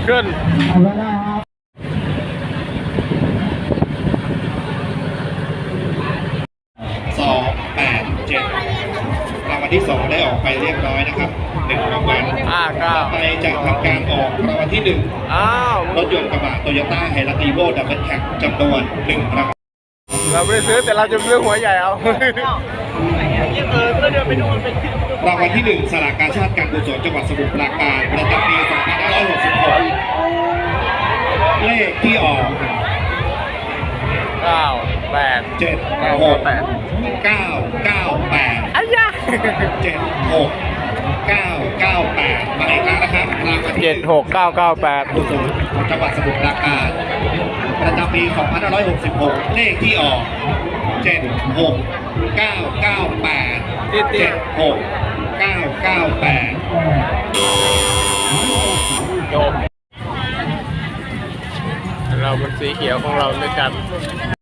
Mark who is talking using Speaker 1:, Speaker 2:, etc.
Speaker 1: ขึ้น
Speaker 2: 287รางวัลที่2ได้ออกไปเรียบร้อยนะครับ1รางวัลต่อไปจะทำการออกรางวัลที่1รถยนต์กระบะโตโยต้าไฮรักอีโวดับเบิลแคปจำนวน1รางวัล
Speaker 1: เราไม่ได้ซื้อแต่เราจะซื้อหัวใหญ่เอา
Speaker 2: รางวัลที่1สลากกาชาดการกุศลจังหวัดสมุทรปราการประจำปี2566เลขที่ออก
Speaker 1: 9 8
Speaker 2: 7 6 9 9 8
Speaker 1: อ้ยะ
Speaker 2: 7 6 9 9 8มาอีกครั้งนะครับรางวัลที่
Speaker 1: 76998
Speaker 2: กุศลจังหวัดสมุทรปราการประจำปี2566เลขที่ออก7 6 9 9 8 7 6 9 9 8
Speaker 1: จบเราเป็นสีเขียวของเราด้วยกัน